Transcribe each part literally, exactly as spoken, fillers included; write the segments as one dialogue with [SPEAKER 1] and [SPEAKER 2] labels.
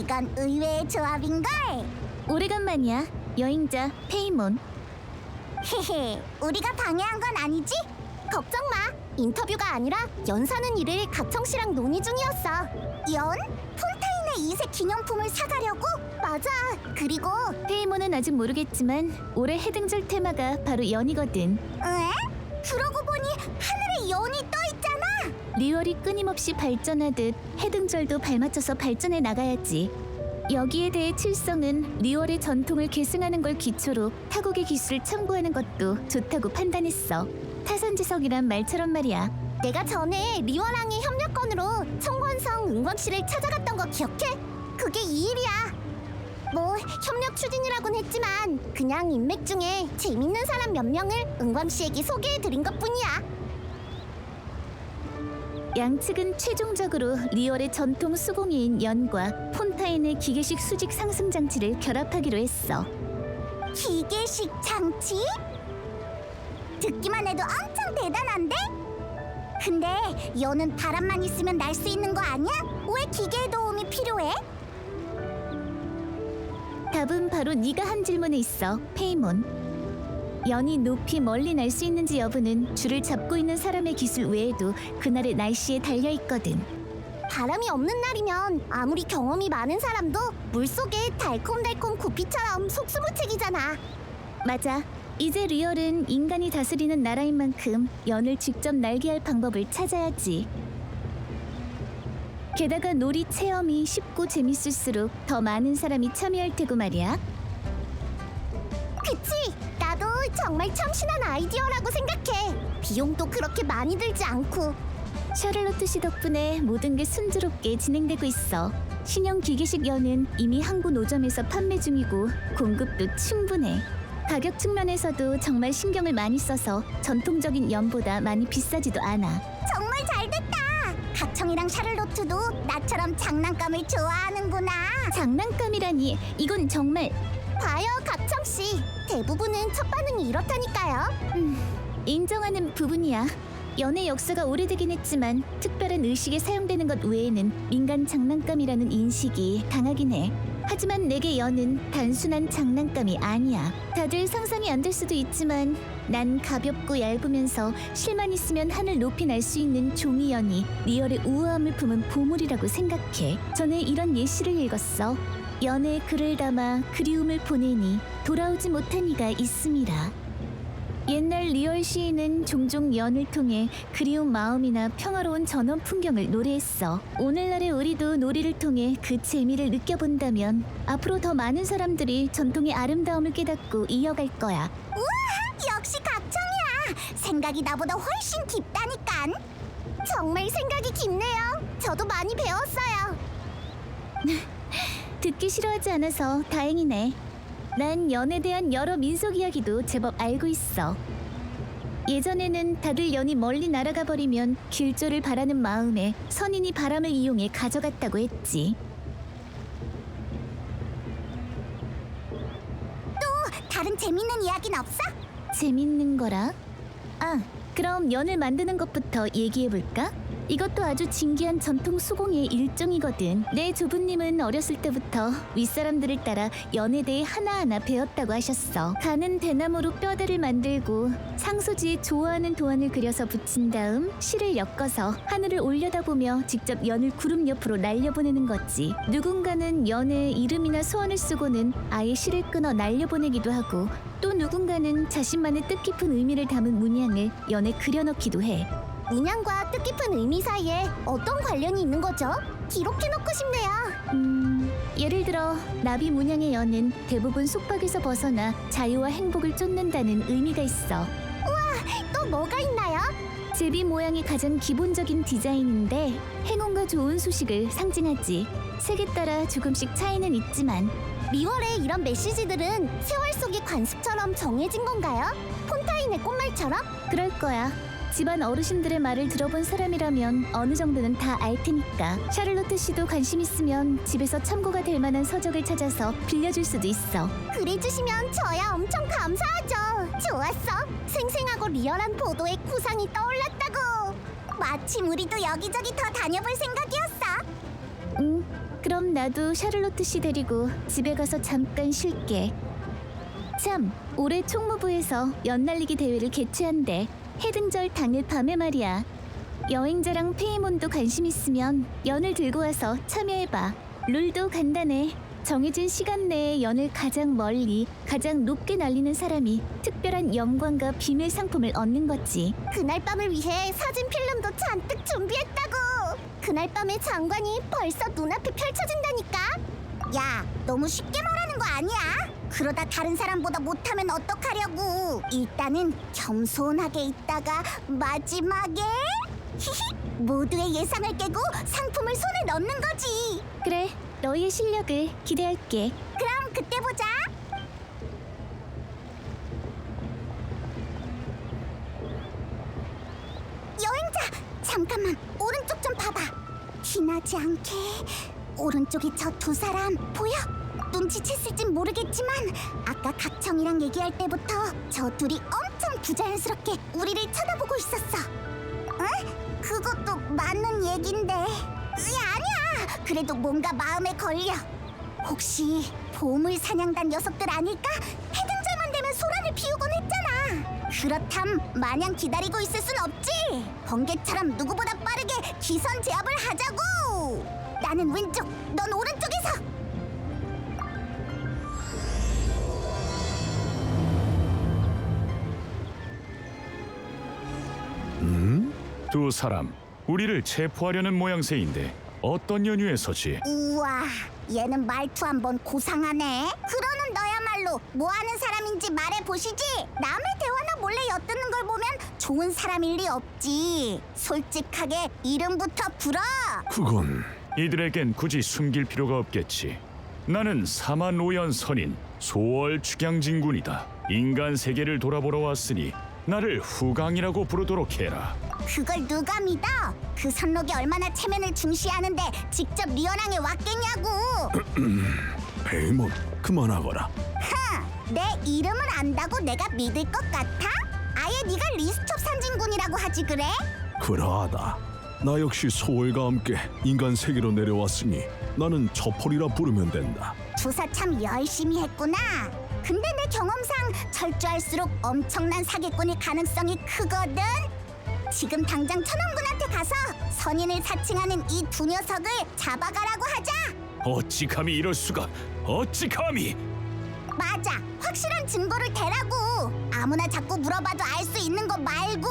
[SPEAKER 1] 이건 의외의 조합인걸.
[SPEAKER 2] 오래간만이야. 여행자 페이몬.
[SPEAKER 1] 헤헤, 우리가 방해한 건 아니지? 걱정 마. 인터뷰가 아니라 연 사는 일을 가청 씨랑 논의 중이었어. 연? 폰타인의 이색 기념품을 사가려고? 맞아. 그리고
[SPEAKER 2] 페이몬은 아직 모르겠지만 올해 해등절 테마가 바로 연이거든.
[SPEAKER 1] 에? 그러고 보니 하늘에 연이 떠 있잖아.
[SPEAKER 2] 리월이 끊임없이 발전하듯 해등절도 발맞춰서 발전해 나가야지. 여기에 대해 칠성은 리월의 전통을 계승하는 걸 기초로 타국의 기술을 첨부하는 것도 좋다고 판단했어. 타산지석이란 말처럼 말이야.
[SPEAKER 1] 내가 전에 리월왕의 협력건으로 청권성 은광 씨를 찾아갔던 거 기억해? 그게 이 일이야. 뭐 협력 추진이라곤 했지만 그냥 인맥 중에 재밌는 사람 몇 명을 은광 씨에게 소개해드린 것뿐이야.
[SPEAKER 2] 양측은 최종적으로 리월의 전통 수공예인 연과 폰타인의 기계식 수직 상승 장치를 결합하기로 했어.
[SPEAKER 1] 기계식 장치? 듣기만 해도 엄청 대단한데? 근데 연은 바람만 있으면 날 수 있는 거 아니야? 왜 기계의 도움이 필요해?
[SPEAKER 2] 답은 바로 네가 한 질문에 있어, 페이몬. 연이 높이 멀리 날 수 있는지 여부는 줄을 잡고 있는 사람의 기술 외에도 그날의 날씨에 달려있거든.
[SPEAKER 1] 바람이 없는 날이면 아무리 경험이 많은 사람도 물속에 달콤달콤 구피처럼 속수무책이잖아.
[SPEAKER 2] 맞아. 이제 리얼은 인간이 다스리는 나라인 만큼 연을 직접 날게 할 방법을 찾아야지. 게다가 놀이 체험이 쉽고 재밌을수록 더 많은 사람이 참여할 테고 말이야.
[SPEAKER 1] 그치? 나도 정말 참신한 아이디어라고 생각해. 비용도 그렇게 많이 들지 않고.
[SPEAKER 2] 샤를로트 씨 덕분에 모든 게 순조롭게 진행되고 있어. 신형 기계식 연은 이미 항구 노점에서 판매 중이고 공급도 충분해. 가격 측면에서도 정말 신경을 많이 써서 전통적인 연보다 많이 비싸지도 않아.
[SPEAKER 1] 정말 잘됐다. 각청이랑 샤를로트도 나처럼 장난감을 좋아하는구나.
[SPEAKER 2] 장난감이라니, 이건 정말...
[SPEAKER 1] 봐요, 각청씨. 대부분은 첫 반응이 이렇다니까요.
[SPEAKER 2] 음, 인정하는 부분이야. 연의 역사가 오래되긴 했지만 특별한 의식에 사용되는 것 외에는 민간 장난감이라는 인식이 강하긴 해. 하지만 내게 연은 단순한 장난감이 아니야. 다들 상상이 안 될 수도 있지만 난 가볍고 얇으면서 실만 있으면 하늘 높이 날 수 있는 종이연이 리얼의 우아함을 품은 보물이라고 생각해. 전에 이런 예시를 읽었어. 연에 글을 담아 그리움을 보내니 돌아오지 못한 이가 있음이라. 옛날 리얼 시인은 종종 연을 통해 그리운 마음이나 평화로운 전원 풍경을 노래했어. 오늘날의 우리도 놀이를 통해 그 재미를 느껴본다면 앞으로 더 많은 사람들이 전통의 아름다움을 깨닫고 이어갈 거야.
[SPEAKER 1] 우와, 역시 각청이야. 생각이 나보다 훨씬 깊다니깐. 정말 생각이 깊네요. 저도 많이 배웠어요.
[SPEAKER 2] 듣기 싫어하지 않아서 다행이네. 난 연에 대한 여러 민속 이야기도 제법 알고 있어. 예전에는 다들 연이 멀리 날아가 버리면 길조를 바라는 마음에 선인이 바람을 이용해 가져갔다고 했지.
[SPEAKER 1] 또 다른 재밌는 이야기는 없어?
[SPEAKER 2] 재밌는 거라? 아, 그럼 연을 만드는 것부터 얘기해볼까? 이것도 아주 진귀한 전통 수공예의 일종이거든. 내 조부님은 어렸을 때부터 윗사람들을 따라 연에 대해 하나하나 배웠다고 하셨어. 가는 대나무로 뼈대를 만들고 상소지에 좋아하는 도안을 그려서 붙인 다음 실을 엮어서 하늘을 올려다보며 직접 연을 구름 옆으로 날려보내는 거지. 누군가는 연에 이름이나 소원을 쓰고는 아예 실을 끊어 날려보내기도 하고, 또 누군가는 자신만의 뜻깊은 의미를 담은 문양을 연에 그려넣기도 해.
[SPEAKER 1] 문양과 뜻깊은 의미 사이에 어떤 관련이 있는 거죠? 기록해놓고 싶네요.
[SPEAKER 2] 음... 예를 들어 나비 문양의 연은 대부분 속박에서 벗어나 자유와 행복을 쫓는다는 의미가 있어.
[SPEAKER 1] 또 뭐가 있나요?
[SPEAKER 2] 제비 모양이 가장 기본적인 디자인인데 행운과 좋은 소식을 상징하지. 색에 따라 조금씩 차이는 있지만
[SPEAKER 1] 리월의 이런 메시지들은 세월 속의 관습처럼 정해진 건가요? 폰타인의 꽃말처럼?
[SPEAKER 2] 그럴 거야. 집안 어르신들의 말을 들어본 사람이라면 어느 정도는 다 알 테니까. 샤를로트 씨도 관심 있으면 집에서 참고가 될 만한 서적을 찾아서 빌려줄 수도 있어.
[SPEAKER 1] 그래주시면 저야 엄청 감사하죠. 좋았어. 생생하고 리얼한 보도의 구상이 떠올랐다고. 마침 우리도 여기저기 더 다녀볼 생각이었어.
[SPEAKER 2] 응, 그럼 나도 샤를로트 씨 데리고 집에 가서 잠깐 쉴게. 참, 올해 총무부에서 연날리기 대회를 개최한대. 해등절 당일 밤에 말이야. 여행자랑 페이몬도 관심 있으면 연을 들고 와서 참여해봐. 룰도 간단해. 정해진 시간 내에 연을 가장 멀리, 가장 높게 날리는 사람이 특별한 영광과 비밀 상품을 얻는 거지.
[SPEAKER 1] 그날 밤을 위해 사진 필름도 잔뜩 준비했다고. 그날 밤에 장관이 벌써 눈앞에 펼쳐진다니까. 야, 너무 쉽게 말하는 거 아니야? 그러다 다른 사람보다 못하면 어떡하려고. 일단은 겸손하게 있다가 마지막에 히히 모두의 예상을 깨고 상품을 손에 넣는 거지.
[SPEAKER 2] 그래, 너희의 실력을 기대할게.
[SPEAKER 1] 그럼 그때 보자. 여행자, 잠깐만 오른쪽 좀 봐봐. 티나지 않게. 오른쪽에 저 두 사람 보여? 눈치챘을진 모르겠지만 아까 각청이랑 얘기할 때부터 저 둘이 엄청 부자연스럽게 우리를 쳐다보고 있었어. 응? 그것도 맞는 얘긴데. 으이, 아니야. 그래도 뭔가 마음에 걸려. 혹시 보물 사냥단 녀석들 아닐까? 해등절만 되면 소란을 피우곤 했잖아. 그렇담 마냥 기다리고 있을 순 없지. 번개처럼 누구보다 빠르게 기선 제압을 하자고. 나는 왼쪽, 넌 오른쪽에서.
[SPEAKER 3] 음? 두 사람 우리를 체포하려는 모양새인데 어떤 연유에서지?
[SPEAKER 1] 우와, 얘는 말투 한번 고상하네. 그러는 너야말로 뭐하는 사람인지 말해보시지. 남의 대화나 몰래 엿듣는 걸 보면 좋은 사람일 리 없지. 솔직하게 이름부터 불어.
[SPEAKER 3] 그건 이들에겐 굳이 숨길 필요가 없겠지. 나는 사만오연 선인 소월 축양진군이다. 인간 세계를 돌아보러 왔으니 나를 후강이라고 부르도록 해라.
[SPEAKER 1] 그걸 누가 믿어? 그 선록이 얼마나 체면을 중시하는데 직접 리언왕에 왔겠냐고.
[SPEAKER 3] 페이몬, 그만하거라.
[SPEAKER 1] 흥, 내 이름을 안다고 내가 믿을 것 같아? 아예 네가 리스톱 산진군이라고 하지 그래?
[SPEAKER 4] 그러하다. 나 역시 소월과 함께 인간 세계로 내려왔으니 나는 저폴이라 부르면 된다.
[SPEAKER 1] 조사 참 열심히 했구나. 근데 내 경험상 철저할수록 엄청난 사기꾼일 가능성이 크거든. 지금 당장 천원군한테 가서 선인을 사칭하는 이 두 녀석을 잡아가라고 하자.
[SPEAKER 3] 어찌 감히 이럴 수가? 어찌 감히?
[SPEAKER 1] 맞아, 확실한 증거를 대라고. 아무나 자꾸 물어봐도 알 수 있는 거 말고.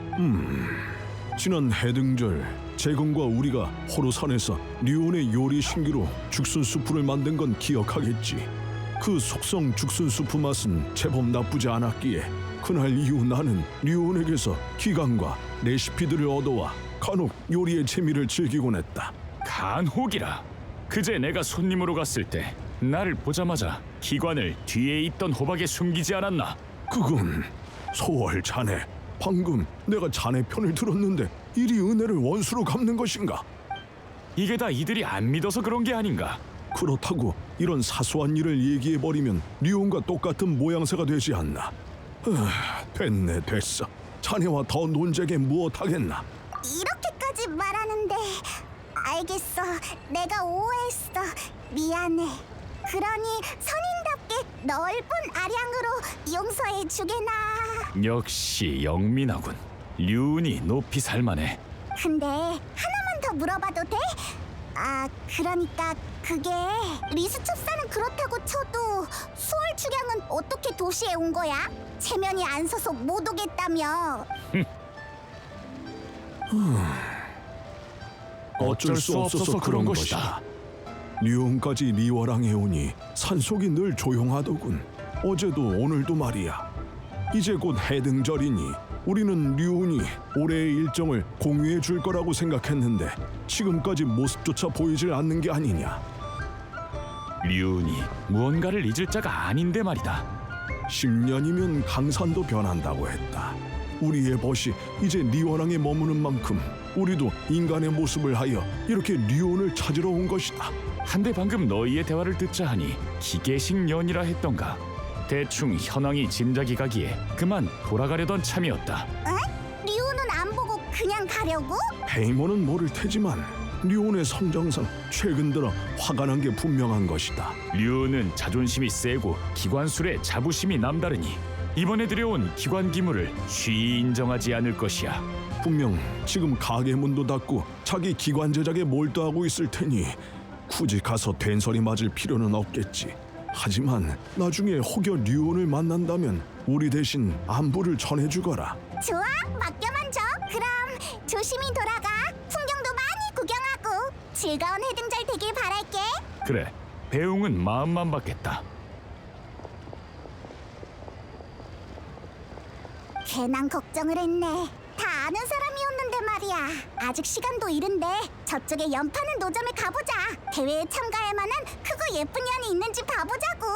[SPEAKER 4] 지난 해등절 제공과 우리가 호로산에서 류온의 요리 신기로 죽순수프를 만든 건 기억하겠지. 그 속성 죽순수프 맛은 제법 나쁘지 않았기에 그날 이후 나는 류온에게서 기강과 레시피들을 얻어와 간혹 요리의 재미를 즐기곤 했다.
[SPEAKER 3] 간혹이라. 그제 내가 손님으로 갔을 때 나를 보자마자 기관을 뒤에 있던 호박에 숨기지 않았나?
[SPEAKER 4] 그건 소월 자네, 방금 내가 자네 편을 들었는데 이리 은혜를 원수로 갚는 것인가?
[SPEAKER 3] 이게 다 이들이 안 믿어서 그런 게 아닌가?
[SPEAKER 4] 그렇다고 이런 사소한 일을 얘기해버리면 류온과 똑같은 모양새가 되지 않나? 아, 됐네 됐어. 자네와 더 논쟁에 무엇하겠나?
[SPEAKER 1] 이렇게까지 말하는데 알겠어. 내가 오해했어. 미안해. 그러니 선인답게 넓은 아량으로 용서해 주게나.
[SPEAKER 3] 역시 영민하군. 류운이 높이 살만해.
[SPEAKER 1] 근데 하나만 더 물어봐도 돼? 아, 그러니까 그게 리스첩사는 그렇다고 쳐도 수월 축양은 어떻게 도시에 온 거야? 체면이 안 서서 못 오겠다며.
[SPEAKER 3] 어쩔 수 없어서 그런 것이다.
[SPEAKER 4] 류온까지 리워랑에 오니 산속이 늘 조용하더군. 어제도 오늘도 말이야. 이제 곧 해등절이니 우리는 류온이 올해의 일정을 공유해 줄 거라고 생각했는데 지금까지 모습조차 보이질 않는 게 아니냐.
[SPEAKER 3] 류운이 무언가를 잊을 자가 아닌데 말이다.
[SPEAKER 4] 십 년이면 강산도 변한다고 했다. 우리의 벗이 이제 리워랑에 머무는 만큼 우리도 인간의 모습을 하여 이렇게 류온을 찾으러 온 것이다.
[SPEAKER 3] 한데 방금 너희의 대화를 듣자 하니 기계식 년이라 했던가. 대충 현황이 짐작이 가기에 그만 돌아가려던 참이었다.
[SPEAKER 1] 응? 리오는 안 보고 그냥 가려고?
[SPEAKER 4] 페이몬은 모를 테지만 류온의 성장상 최근 들어 화가 난 게 분명한 것이다.
[SPEAKER 3] 류는 자존심이 세고 기관술에 자부심이 남다르니 이번에 들여온 기관 기물을 쉬이 인정하지 않을 것이야.
[SPEAKER 4] 분명 지금 가게 문도 닫고 자기 기관 제작에 몰두하고 있을 테니 굳이 가서 된소리 맞을 필요는 없겠지. 하지만 나중에 혹여 류온을 만난다면 우리 대신 안부를 전해주거라.
[SPEAKER 1] 좋아, 맡겨만 줘. 그럼 조심히 돌아가. 풍경도 많이 구경하고 즐거운 해등절 되길 바랄게.
[SPEAKER 3] 그래, 배웅은 마음만 받겠다.
[SPEAKER 1] 괜한 걱정을 했네. 다 아는 사람이었는데 말이야. 아직 시간도 이른데 저쪽에 연파는 노점에 가보자. 대회에 참가할 만한 크고 예쁜 년이 있는지 봐보자고.